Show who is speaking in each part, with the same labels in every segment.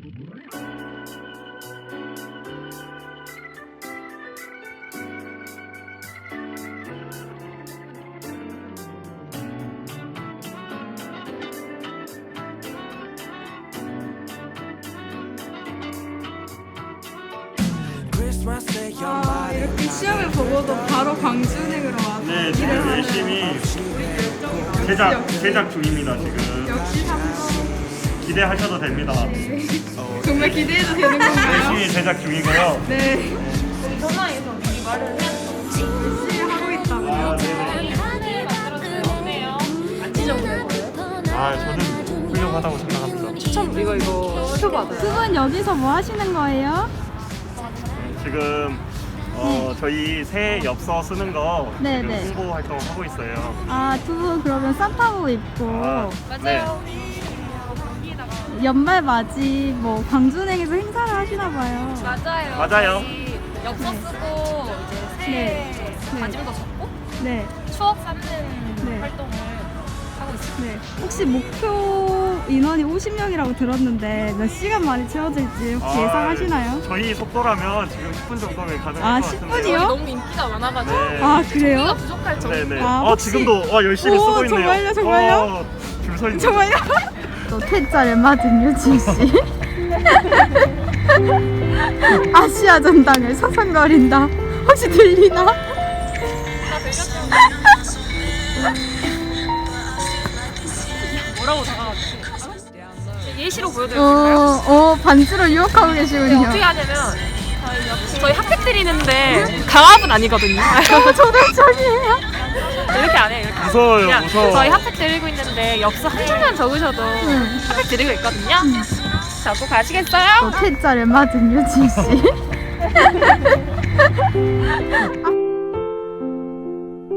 Speaker 1: 이렇게 시험을 보고도 바로 광주은행으로 와서
Speaker 2: 네, 지금 열심히 제작 중입니다. 지금
Speaker 1: 역시 3번.
Speaker 2: 기대하셔도 됩니다.
Speaker 1: 정말 기대해도 되는 건가요?
Speaker 2: 열심히 제작 중이고요.
Speaker 1: 네.
Speaker 3: 전화해서 미리 말을 해야죠.
Speaker 1: 열심히 하고 있다고요?
Speaker 3: 어때요? 안 찢어보는 거예요?
Speaker 2: 저는 훌륭하다고 생각합니다.
Speaker 3: 추천 이거 추천받아요.
Speaker 1: 두 분 여기서 뭐 하시는 거예요?
Speaker 2: 지금 저희 새 엽서 쓰는 거
Speaker 1: 네,
Speaker 2: 지금
Speaker 1: 네.
Speaker 2: 홍보 활동 하고 있어요.
Speaker 1: 아, 두 분 그러면 산타복 입고
Speaker 2: 네.
Speaker 1: 연말 맞이 뭐 광주은행에서 행사를 하시나 봐요.
Speaker 2: 맞아요.
Speaker 3: 저희 엽서 쓰고 이제 새해
Speaker 1: 네. 네.
Speaker 3: 다짐도 적고
Speaker 1: 네.
Speaker 3: 추억 쌓는
Speaker 1: 네.
Speaker 3: 활동을 하고 있어요.
Speaker 1: 네. 혹시 목표 인원이 50명이라고 들었는데 몇 시간 만에 채워질지 혹시 예상하시나요?
Speaker 2: 저희 속도라면 지금 10분 정도면 가능할
Speaker 1: 아,
Speaker 2: 것 같은데요.
Speaker 1: 10분 이요?
Speaker 3: 너무 인기가 많아가지고
Speaker 2: 네.
Speaker 1: 아, 그래요?
Speaker 3: 인기가 부족할 정도.
Speaker 2: 네네.
Speaker 1: 아, 혹시-
Speaker 2: 지금도 열심히
Speaker 1: 오,
Speaker 2: 쓰고 있네요.
Speaker 1: 정말요?
Speaker 2: 줄 서 있는.
Speaker 1: 정말요? 또 퇴짜를 맞은 유진 씨. 아시아 전당을 서성거린다. 혹시 들리나?
Speaker 3: 뭐라고 다가가지? 예시로 보여드릴까요?
Speaker 1: 반지로 유혹하고 계시군요.
Speaker 3: 어떻게 하냐면 저희 핫팩 드리는데 강압은 아니거든요.
Speaker 1: 초등적이에요.
Speaker 3: 이렇게 안 해요. 이렇게.
Speaker 2: 무서워요,
Speaker 3: 그냥
Speaker 2: 무서워.
Speaker 3: 저희 핫팩 드리고 있는데 엽서 한 줄만 적으셔도 핫팩 드리고 있거든요. 자, 또 가시겠어요?
Speaker 1: 또 퇴짜를 맞은 유진 씨.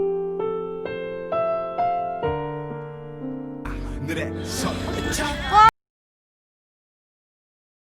Speaker 4: 늘의 선